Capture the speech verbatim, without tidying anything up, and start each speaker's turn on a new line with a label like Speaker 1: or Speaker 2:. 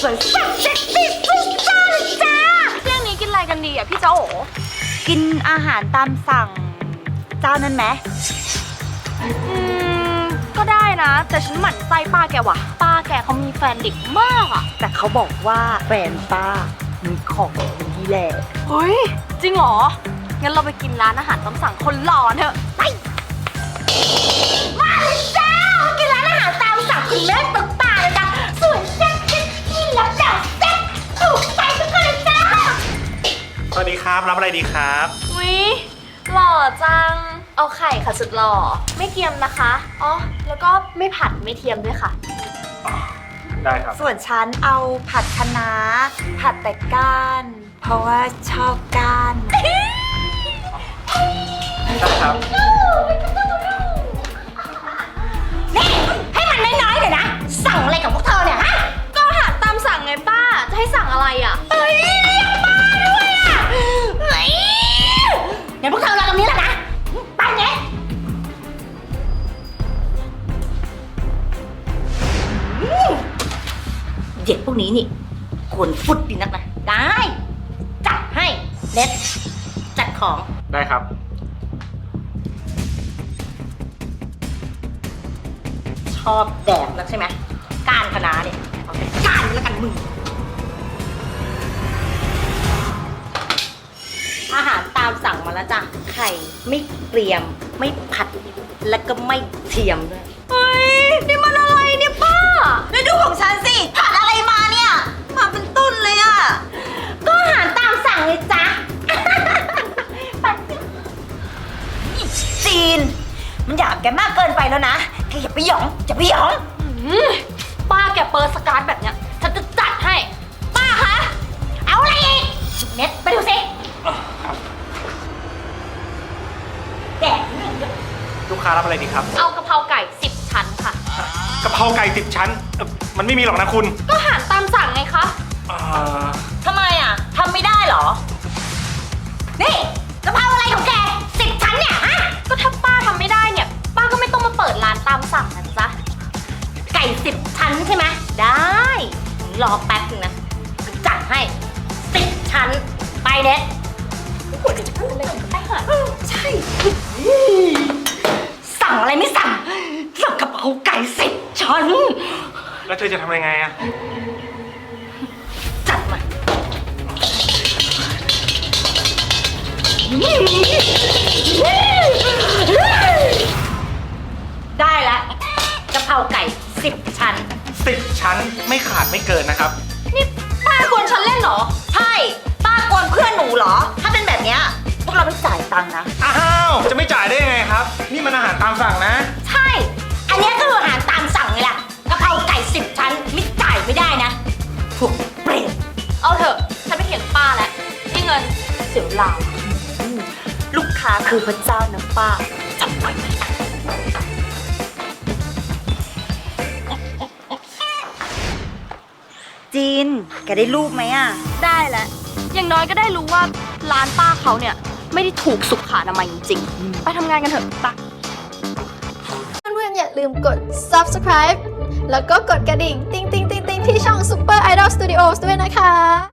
Speaker 1: สวยสับเซ็กซี่สุดจ้าเลยจ้าเที่ยงนี้กินอะไรกันดีอ่ะพี่เจ้าโอกินอาหารตามสั่งเจ้านั้นไหมอืมก็ได้นะแต่ฉันหมั่นไส้ป้าแกว่ะป้าแกเขามีแฟนเด็กมากอ่ะแต่เขาบอกว่าแฟนป้ามีของดีแหละเฮ้ยจริงเหรองั้นเราไปกินร้านอาหารตามสั่งคนหล่อเถอะไปมาเลยจ้ากินร้านอาหารตามสั่งคุณแม่ตุ๊กตาเลยจ้าสวยแซ่บเซ็กซี่แล้วแจ๋วแซ่บถูกใจทุกคนเลยจ้า
Speaker 2: สวัสดีครับรับอะไรดีครับ
Speaker 1: อุ๊ยหล่อจังเอาไข่ค่ะสุดหล่อไม่เทียมนะคะอ๋อแล้วก็ไม่ผัดไม่เทียมด้วยค่ะ
Speaker 2: ได้ครับ
Speaker 1: ส่วนฉันเอาผัดคะน้าผัดแต่ก้านเพราะว่าชอบก้าน
Speaker 2: ได้ครับ
Speaker 1: นี่ให้มันน้อยๆหน่อยนะสั่งอะไรกับพวกเธอเนี่ยฮะก็อาหารตามสั่งไงป้าจะให้สั่งอะไรอ่ะเฮ้ยเรียกป้าด้วยอ่ะเฮ้ยเดี๋ยวพวกเธอรอตรงนี้แหละนะไปเนี่ยเด็กพวกนี้นี่ควรฟุดดีนักนะได้จัดให้เน็ตจัดของ
Speaker 2: ได้ครับ
Speaker 1: ชอบแดกนักใช่ไหมก้านคะน้าเนี่ยเอาแต่ก้านแล้วกันมึงอาหารตามสั่งมาแล้วจ้ะไข่ไม่เกรียมไม่ผัดและก็ไม่เทียมด้วยเฮ้ยนี่มันอะไรเนี่ยป้าแล้วดูของฉันสิผัดอะไรมาเนี่ยมาเป็นต้นเลยอ่ะก็อาหารตามสั่งเลยจ้ะปัดจีนมันหยาบแกมากเกินไปแล้วนะแกอย่าไปหยองอย่าไปหยองป้าแกเปิดสการ์ดแบบเนี้ยฉันจะจัดให้ป้าคะเอาอะไรอีกเน็ตไปดูสิแดกนี่
Speaker 2: ลูกค้ารับอะไรดีครับ
Speaker 1: เอากะเพราไก่สิบชั้นค่ะ
Speaker 2: กะเพราไก่สิบชั้นมันไม่มีหรอกนะคุณ
Speaker 1: ก็อาหารตามสั่งไงคะทำไมอ่ะทำไม่ได้เหรอนี่กะเพราอะไรของแกสิบชั้นเนี่ยฮะก็ถ้าป้าทำไม่ได้เนี่ยป้าก็ไม่ต้องมาเปิดร้านตามสั่งนะจ๊ะไก่สิบชั้นใช่ไหมได้รอแป๊บนึงนะจัดให้สิบชั้นไปเน็ตควรจะพูดอะไรกันไปหรอใช่สั่งอะไรไม่สั่งสั่งกะเพราไก่สิบชั้น
Speaker 2: แล้วเธอจะทำยังไงอะ
Speaker 1: จัดมาได้แล้วกะเพราไก่สิบชั้น
Speaker 2: สิบชั้นไม่ขาดไม่เกินนะครับ
Speaker 1: นี่ป้ากวนฉันเล่นเหรอใช่ป้ากวนเพื่อนหนูเหรอถ้าเป็นแบบเนี้ยพวกเราไม่จ่ายตังค์นะ
Speaker 2: อ้าวจะไม่จ่ายได้ยังไงครับนี่มันอาหารตามสั่งนะ
Speaker 1: ใช่อันนี้ก็คืออาหารตามสั่งไงล่ะกะเพราไก่สิบชั้นไม่จ่ายไม่ได้นะพวกเปรตเอาเถอะฉันไม่เถียงป้าแล้วนี่เงินเสียเวลาลูกค้าคือพระเจ้านะป้าจำไว้ไหมจีนแกได้รูปไหมอ่ะได้แล้วอย่างน้อยก็ได้รู้ว่าร้านป้าเขาเนี่ยไม่ได้ถูกสุขอนามัยจริงๆไปทำงานกันเถอะไป
Speaker 3: เพื่อนๆอย่าลืมกด ซับสไครบ์ แล้วก็กดกระดิ่ง ติ๊งติ๊งติ๊งติ๊งที่ช่อง Super Idol Studios ด้วยนะคะ